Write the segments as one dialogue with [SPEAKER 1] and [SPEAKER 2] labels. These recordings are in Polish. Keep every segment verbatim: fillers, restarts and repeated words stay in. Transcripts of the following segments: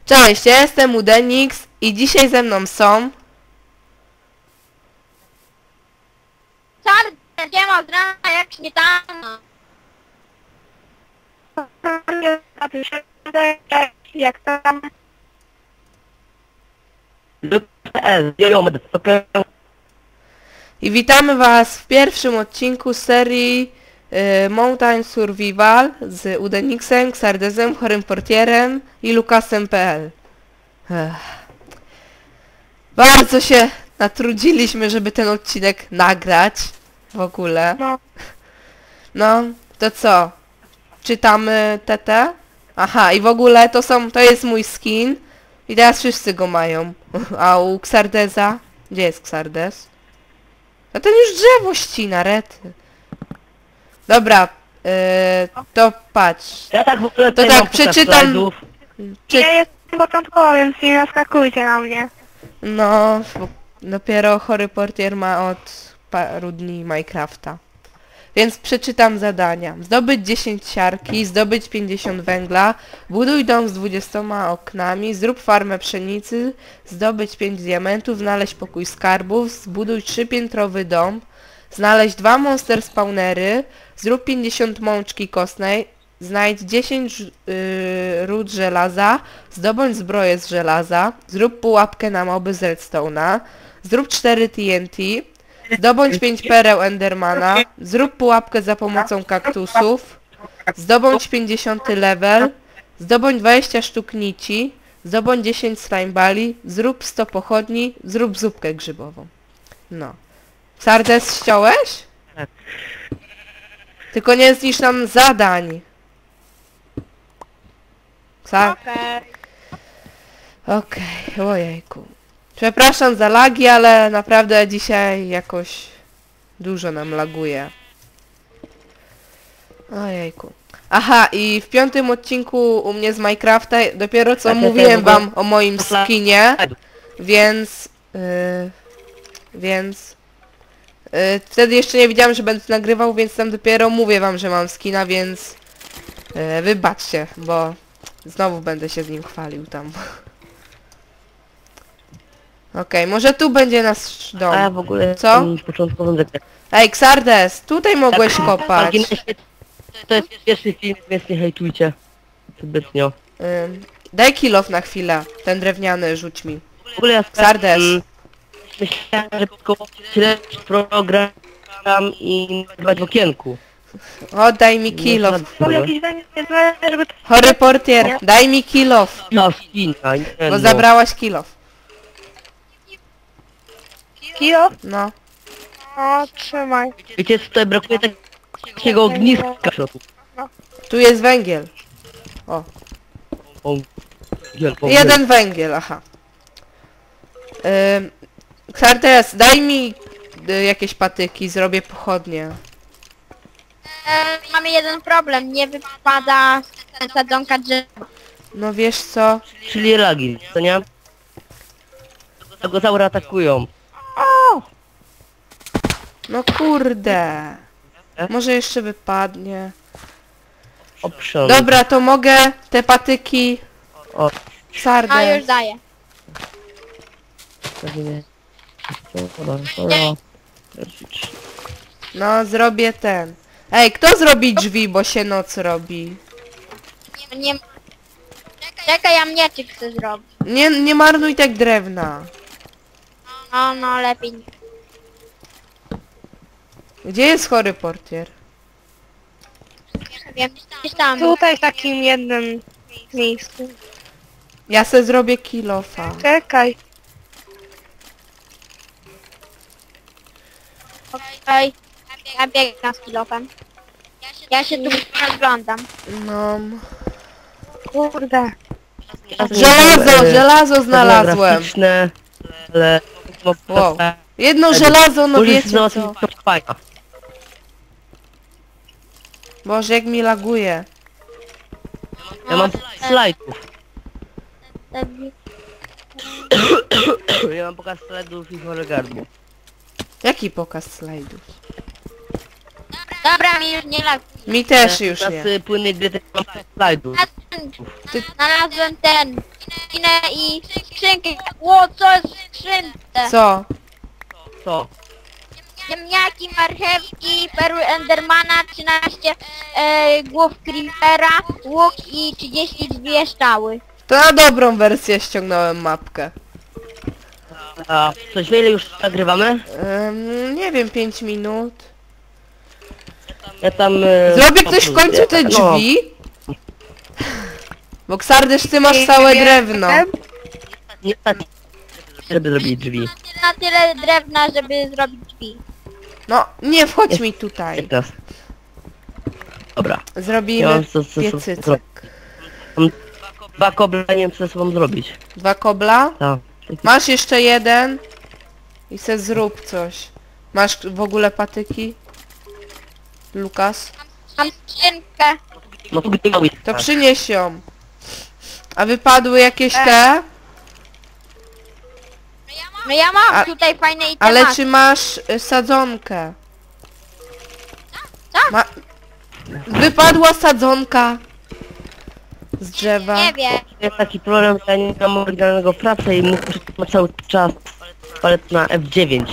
[SPEAKER 1] Cześć, ja jestem Udenix i dzisiaj ze mną są...
[SPEAKER 2] Czarny, nie ma zdrowia jak śmietana.
[SPEAKER 3] Jak tam?
[SPEAKER 1] I witamy was w pierwszym odcinku serii y, Mountain Survival z Udenixem, Xardezem, Chorym Portierem i Lukasem kropka p l. Ech. Bardzo się natrudziliśmy, żeby ten odcinek nagrać w ogóle.
[SPEAKER 3] No.
[SPEAKER 1] No, to co? Czytamy T T? Aha, i w ogóle to są, to jest mój skin i teraz wszyscy go mają. A u Xardeza? Gdzie jest Xardez? A ten już drzewo ścina, rety. Dobra, yy, to patrz.
[SPEAKER 4] Ja tak w ogóle
[SPEAKER 1] To
[SPEAKER 4] tutaj
[SPEAKER 1] tak,
[SPEAKER 4] mam kilka
[SPEAKER 1] przeczytam-
[SPEAKER 4] slajdów.
[SPEAKER 1] Czy...
[SPEAKER 3] Ja jestem początkowo, więc nie naskakujcie na mnie.
[SPEAKER 1] No, bo dopiero Chory Portier ma od paru dni Minecrafta. Więc przeczytam zadania. Zdobyć dziesięć siarki, zdobyć pięćdziesiąt węgla, buduj dom z dwudziestoma oknami, zrób farmę pszenicy, zdobyć pięć diamentów, znaleźć pokój skarbów, zbuduj trzypiętrowy dom, znaleźć dwa monster spawnery, zrób pięćdziesiąt mączki kostnej, znajdź dziesięć yy, ród żelaza, zdobądź zbroję z żelaza, zrób pułapkę na moby z redstone'a, zrób cztery T N T, zdobądź pięć pereł Endermana, zrób pułapkę za pomocą kaktusów, zdobądź pięćdziesiąty level, zdobądź dwadzieścia sztuk nici, zdobądź dziesięć slime bali, zrób sto pochodni, zrób zupkę grzybową. No. Sardes ściąłeś?
[SPEAKER 4] Tak.
[SPEAKER 1] Tylko nie zniszcz nam zadań. Sar...
[SPEAKER 2] Okej.
[SPEAKER 1] Okej, ojejku. Przepraszam za lagi, ale naprawdę dzisiaj jakoś dużo nam laguje. Ojejku. Aha, i w piątym odcinku u mnie z Minecrafta dopiero co
[SPEAKER 4] Tak, ja
[SPEAKER 1] mówiłem
[SPEAKER 4] też w ogóle-
[SPEAKER 1] wam o moim skinie, więc... Yy, więc... Yy, wtedy jeszcze nie wiedziałem, że będę nagrywał, więc tam dopiero mówię wam, że mam skina, więc... Yy, wybaczcie, bo znowu będę się z nim chwalił tam. Okej, może tu będzie nasz dom.
[SPEAKER 4] A ja w ogóle
[SPEAKER 1] Co?
[SPEAKER 4] jestem w początkowym zakresie.
[SPEAKER 1] Ej, Xardes, tutaj mogłeś
[SPEAKER 4] Tak,
[SPEAKER 1] kopać.
[SPEAKER 4] marginesie, to jest pierwszy film, więc nie hejtujcie zbytnio.
[SPEAKER 1] Ym, daj kill off na chwilę. Ten drewniany rzuć mi.
[SPEAKER 4] W ogóle ja
[SPEAKER 1] Sardes.
[SPEAKER 4] mm, myślałem, że tylko śledzić program i nagrywać w okienku.
[SPEAKER 1] Oddaj mi kill off.
[SPEAKER 3] Bo jakiś węgiel nie znaleźć, żeby...
[SPEAKER 1] Chory portier, daj mi kill off.
[SPEAKER 4] No, skina, nie
[SPEAKER 1] Bo
[SPEAKER 4] no.
[SPEAKER 1] zabrałaś kill off.
[SPEAKER 3] Kilo?
[SPEAKER 1] No.
[SPEAKER 3] O, trzymaj.
[SPEAKER 4] Wiecie co, tutaj brakuje tak- takiego ogniska w środku.
[SPEAKER 1] Tu jest węgiel. O,
[SPEAKER 4] O, wiel- o,
[SPEAKER 1] jeden węgiel, aha. Ym, Xardes, daj mi y, jakieś patyki, zrobię pochodnie.
[SPEAKER 2] E, mamy jeden problem, nie wypada sadzonka drzewa.
[SPEAKER 1] No wiesz co?
[SPEAKER 4] Czyli lagi, co nie? Tego zaury atakują.
[SPEAKER 1] No kurde. Może jeszcze wypadnie.
[SPEAKER 4] Option.
[SPEAKER 1] Dobra, to mogę te patyki...
[SPEAKER 4] O,
[SPEAKER 2] A
[SPEAKER 1] Sardes.
[SPEAKER 2] już daję.
[SPEAKER 4] pewnie. Dobra, dobra.
[SPEAKER 1] No, zrobię ten. Ej, kto zrobi drzwi, bo się noc robi?
[SPEAKER 2] Nie, nie... Czekaj, ja mieczyk chcę zrobić.
[SPEAKER 1] Nie, nie marnuj tak drewna.
[SPEAKER 2] No, no, lepiej. nie.
[SPEAKER 1] Gdzie jest chory portier?
[SPEAKER 2] Wiem, gdzieś tam.
[SPEAKER 3] Tutaj w takim jednym miejscu.
[SPEAKER 1] Ja se zrobię kilofa.
[SPEAKER 3] Czekaj.
[SPEAKER 2] Okej. Ja biegnę z kilofem. Ja się tu rozglądam.
[SPEAKER 1] No.
[SPEAKER 3] Kurde.
[SPEAKER 1] Żelazo, żelazo znalazłem.
[SPEAKER 4] Graficzne, ale...
[SPEAKER 1] Wow. Jedno żelazo, no
[SPEAKER 4] Policja
[SPEAKER 1] wiecie co.
[SPEAKER 4] załatwiła to fajna.
[SPEAKER 1] Boże, jak mi laguje.
[SPEAKER 4] Ja mam slajdów. Ja mam pokaz slajdów i chore gardło.
[SPEAKER 1] Jaki pokaz slajdów?
[SPEAKER 2] Dobra, mi już nie lag.
[SPEAKER 1] Mi też już nie.
[SPEAKER 4] Teraz płynnej gry też mam slajdów.
[SPEAKER 2] A
[SPEAKER 1] Ty-
[SPEAKER 2] Znalazłem ten... Inę i skrzynkę. Ło, co jest w skrzynce?
[SPEAKER 1] Co?
[SPEAKER 4] Co?
[SPEAKER 2] Ziemniaki, marchewki, perły Endermana, trzynaście e, głów Creepera, łuk i trzydzieści dwie strzały.
[SPEAKER 1] To na dobrą wersję ściągnąłem mapkę.
[SPEAKER 4] A coś wiele już nagrywamy?
[SPEAKER 1] Ym, nie wiem, pięć minut.
[SPEAKER 4] Ja tam... E,
[SPEAKER 1] Zrobi ktoś w końcu te
[SPEAKER 4] no,
[SPEAKER 1] drzwi? Bo Ksardysz, ty masz całe drewno.
[SPEAKER 4] Nie tak, żeby zrobić drzwi.
[SPEAKER 2] Na tyle drewna, żeby zrobić drzwi.
[SPEAKER 1] No, nie wchodź mi tutaj.
[SPEAKER 4] Teraz. Dobra. Ja
[SPEAKER 1] Zrobimy
[SPEAKER 4] mam co, co, co,
[SPEAKER 1] piecycek.
[SPEAKER 4] Mam dwa koble, nie wiem co ze sobą zrobić.
[SPEAKER 1] Dwa kobla?
[SPEAKER 4] Tak.
[SPEAKER 1] Masz jeszcze jeden? I se zrób coś. Masz w ogóle patyki? Lukas?
[SPEAKER 2] Mam skrzynkę.
[SPEAKER 4] No to gdy mały.
[SPEAKER 1] To przynieś ją. A wypadły jakieś te?
[SPEAKER 2] No ja mam
[SPEAKER 1] A-
[SPEAKER 2] tutaj fajne itemy.
[SPEAKER 1] Ale czy masz y, sadzonkę?
[SPEAKER 2] Tak.
[SPEAKER 1] Ma... Wypadła sadzonka z drzewa.
[SPEAKER 2] Nie wiem.
[SPEAKER 4] Jest taki problem, że ja nie mam oryginalnego pracy i muszę trzymać cały czas palet na F dziewięć.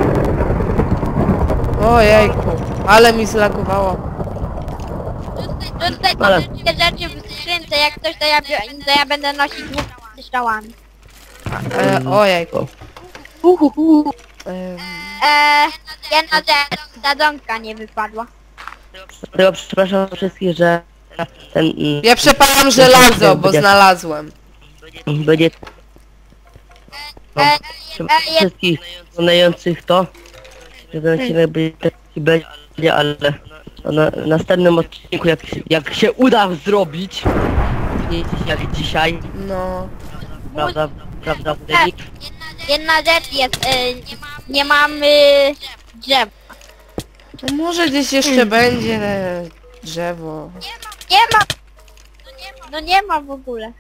[SPEAKER 1] Ojejku, ale mi zlagowało.
[SPEAKER 2] Tutaj, tutaj
[SPEAKER 4] Ale-
[SPEAKER 2] ale... te rzeczy w skrzynce, jak ktoś to ja, bio- to ja będę nosić dwóch strzałami.
[SPEAKER 1] E, ojejku. Ym,
[SPEAKER 2] Eee, jedna rzecz, sadzonka nie wypadła.
[SPEAKER 4] Dlatego przepraszam wszystkich, że ten... mm,
[SPEAKER 1] ja przepalam żelazo, bo znalazłem.
[SPEAKER 4] Będzie... No,
[SPEAKER 2] E,
[SPEAKER 4] przepraszam
[SPEAKER 2] e, je-
[SPEAKER 4] wszystkich oglądających to, że ten odcinek będzie taki będzie, ale na w następnym odcinku jak, jak się uda zrobić, nie jak dzisiaj,
[SPEAKER 1] No.
[SPEAKER 4] prawda, prawda, Fredrik?
[SPEAKER 2] Jedna rzecz jest, e, nie mamy drzew.
[SPEAKER 1] No może gdzieś jeszcze będzie e, drzewo.
[SPEAKER 2] Nie ma! No nie ma w ogóle.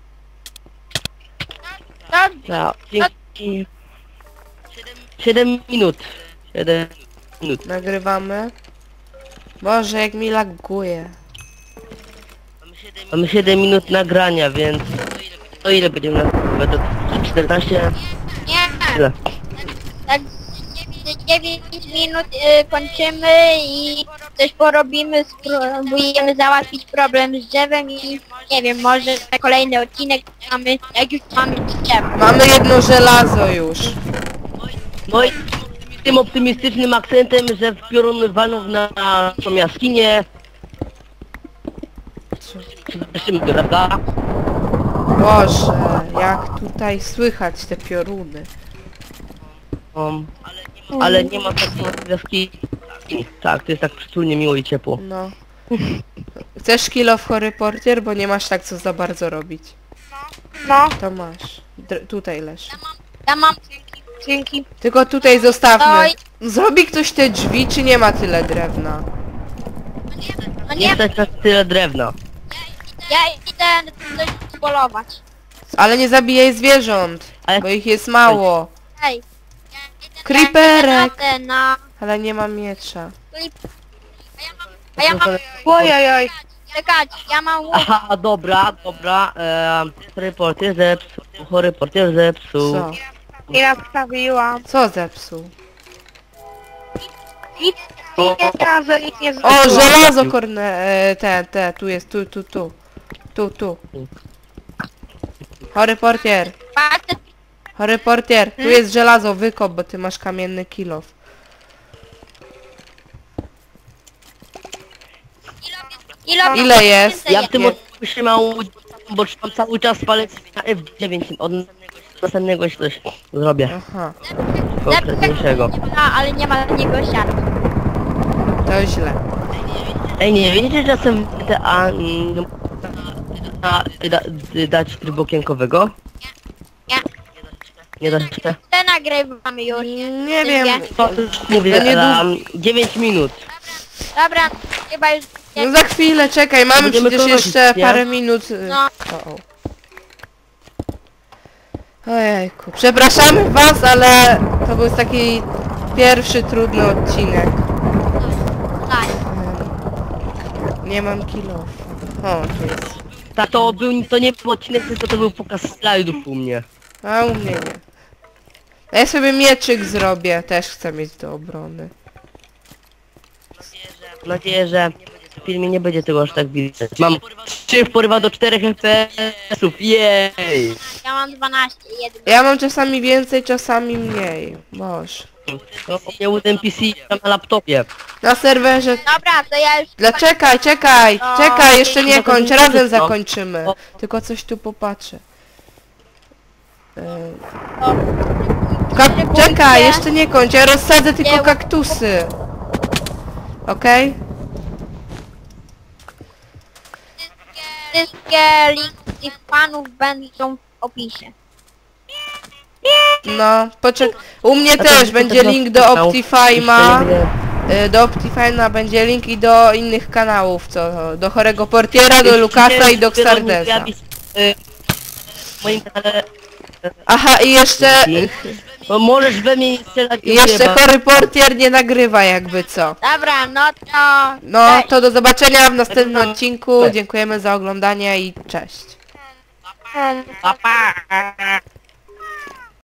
[SPEAKER 2] No,
[SPEAKER 4] Ja, dzięki. siedem minut. siedem minut.
[SPEAKER 1] Nagrywamy. Boże, jak mi laguje.
[SPEAKER 4] Mamy siedem minut nagrania, więc to ile będziemy na to czternaście?
[SPEAKER 2] nie.
[SPEAKER 4] Tyle.
[SPEAKER 2] Tak dziewięć minut y, kończymy i coś porobimy, spróbujemy załatwić problem z drzewem i nie wiem, może na kolejny odcinek mamy, jak już mamy drzewo.
[SPEAKER 1] Mamy jedno żelazo już.
[SPEAKER 4] No i tym optymistycznym akcentem, że w piorun walną na tą jaskinię. Cieszymy, prawda?
[SPEAKER 1] Boże, jak tutaj słychać te pioruny.
[SPEAKER 4] Um, ale nie ma tak w jaskini. Tak, to jest tak przytulnie, miło i ciepło.
[SPEAKER 1] No. Chcesz kilo w chory portier, bo nie masz tak co za bardzo robić.
[SPEAKER 3] No,
[SPEAKER 1] To masz. Dr tutaj leż.
[SPEAKER 2] Ja mam,
[SPEAKER 3] dzięki.
[SPEAKER 1] Tylko tutaj zostawmy.
[SPEAKER 2] Oj.
[SPEAKER 1] Zrobi ktoś te drzwi, czy nie ma tyle drewna?
[SPEAKER 2] no
[SPEAKER 4] Nie
[SPEAKER 2] nie,
[SPEAKER 4] stać na tyle drewna.
[SPEAKER 2] ja idę coś polować.
[SPEAKER 1] Ale nie zabijaj zwierząt,
[SPEAKER 4] Ale-
[SPEAKER 1] bo ich jest mało.
[SPEAKER 2] Hej.
[SPEAKER 1] Creeperek!
[SPEAKER 2] Ja idę na...
[SPEAKER 1] Ale nie mam miecza.
[SPEAKER 2] A ja mam...
[SPEAKER 3] Ojojoj.
[SPEAKER 2] Czekać, ja mam łuk.
[SPEAKER 4] Aha, dobra, dobra. Eee, reporter zepsuł, reporter zepsuł.
[SPEAKER 1] Co?
[SPEAKER 3] I nastawiłam.
[SPEAKER 1] Co zepsuł?
[SPEAKER 3] Nic nie znalazłem, nic nie
[SPEAKER 1] O,
[SPEAKER 3] znalazłem.
[SPEAKER 1] żelazo korne... E, te, te, tu jest, tu, tu, tu. Tu, tu. Chory portier.
[SPEAKER 2] Patrzę,
[SPEAKER 1] Chory portier, tu jest żelazo, wykop, bo ty masz kamienny kilof.
[SPEAKER 2] ile,
[SPEAKER 1] Ile jest?
[SPEAKER 4] Ja w tym
[SPEAKER 1] Je-
[SPEAKER 4] odcinku się mało, bo trzymam cały czas palec na F dziewięć. Od następnego się coś zrobię.
[SPEAKER 1] Aha,
[SPEAKER 4] Konkretniejszego.
[SPEAKER 2] A, ale nie ma niego siarki.
[SPEAKER 1] to źle.
[SPEAKER 4] Ej, nie wiecie, że czasem te a mm, da, da, dać trybu okienkowego?
[SPEAKER 2] Nie.
[SPEAKER 4] Nie da się?
[SPEAKER 2] Te nagrywamy już.
[SPEAKER 1] Nie wiem.
[SPEAKER 4] To już mówię,
[SPEAKER 1] To nie
[SPEAKER 4] na dziewięć minut.
[SPEAKER 2] Dobra, chyba już...
[SPEAKER 1] No za chwilę, czekaj, mamy
[SPEAKER 4] Będziemy
[SPEAKER 1] przecież
[SPEAKER 4] kończyć,
[SPEAKER 1] jeszcze
[SPEAKER 4] nie?
[SPEAKER 1] parę minut. y,
[SPEAKER 2] No.
[SPEAKER 1] O, o. Ojejku, przepraszamy was, ale to był taki pierwszy trudny odcinek.
[SPEAKER 2] Tak.
[SPEAKER 1] Nie mam kilof. O, tu jest.
[SPEAKER 4] Ta to był, to nie był odcinek, tylko to był pokaz slajdów u mnie.
[SPEAKER 1] A u mnie nie. A ja sobie mieczyk zrobię, też chcę mieć do obrony.
[SPEAKER 4] Mam nadzieję, że w filmie nie będzie tego aż tak widać. Mam trzy porywa do czterech F P S-ów, jej!
[SPEAKER 2] Ja mam dwanaście, jeden.
[SPEAKER 1] Ja mam czasami więcej, czasami mniej. Boże.
[SPEAKER 4] No, u mnie u N P C na laptopie.
[SPEAKER 1] Na serwerze...
[SPEAKER 2] Dobra, to ja już...
[SPEAKER 1] Dla czekaj, czekaj,
[SPEAKER 2] O,
[SPEAKER 1] czekaj, jeszcze nie
[SPEAKER 4] to to
[SPEAKER 1] kończ,
[SPEAKER 4] nie
[SPEAKER 1] razem
[SPEAKER 4] wszystko.
[SPEAKER 1] zakończymy.
[SPEAKER 4] O.
[SPEAKER 1] Tylko coś tu popatrzę. Yy,
[SPEAKER 2] O,
[SPEAKER 1] Kak czekaj, jeszcze nie kończ, ja rozsadzę tylko
[SPEAKER 2] Nie.
[SPEAKER 1] kaktusy. Okej?
[SPEAKER 2] Wszystkie linki tych panów będą w opisie.
[SPEAKER 1] No, poczek... U mnie
[SPEAKER 4] A to
[SPEAKER 1] też
[SPEAKER 4] jest
[SPEAKER 1] będzie
[SPEAKER 4] to
[SPEAKER 1] link do
[SPEAKER 4] kanał.
[SPEAKER 1] Optifine'a.
[SPEAKER 4] Jeszcze nie-
[SPEAKER 1] y, Do Optifine'a będzie link i do innych kanałów, co? Do Chorego Portiera, do Lukasa i do
[SPEAKER 4] Dopiero mi
[SPEAKER 1] Xardesa.
[SPEAKER 4] pojawi, y, W moim kanale...
[SPEAKER 1] Aha, i jeszcze...
[SPEAKER 4] No możesz we mnie nie strzelać.
[SPEAKER 1] I jeszcze
[SPEAKER 4] dziękuję
[SPEAKER 1] Chory Portier nie nagrywa jakby co.
[SPEAKER 2] Dobra, no to...
[SPEAKER 1] No,
[SPEAKER 2] Cześć.
[SPEAKER 1] to do zobaczenia w następnym odcinku. Dziękujemy za oglądanie i cześć.
[SPEAKER 4] bardzo. Pa, pa.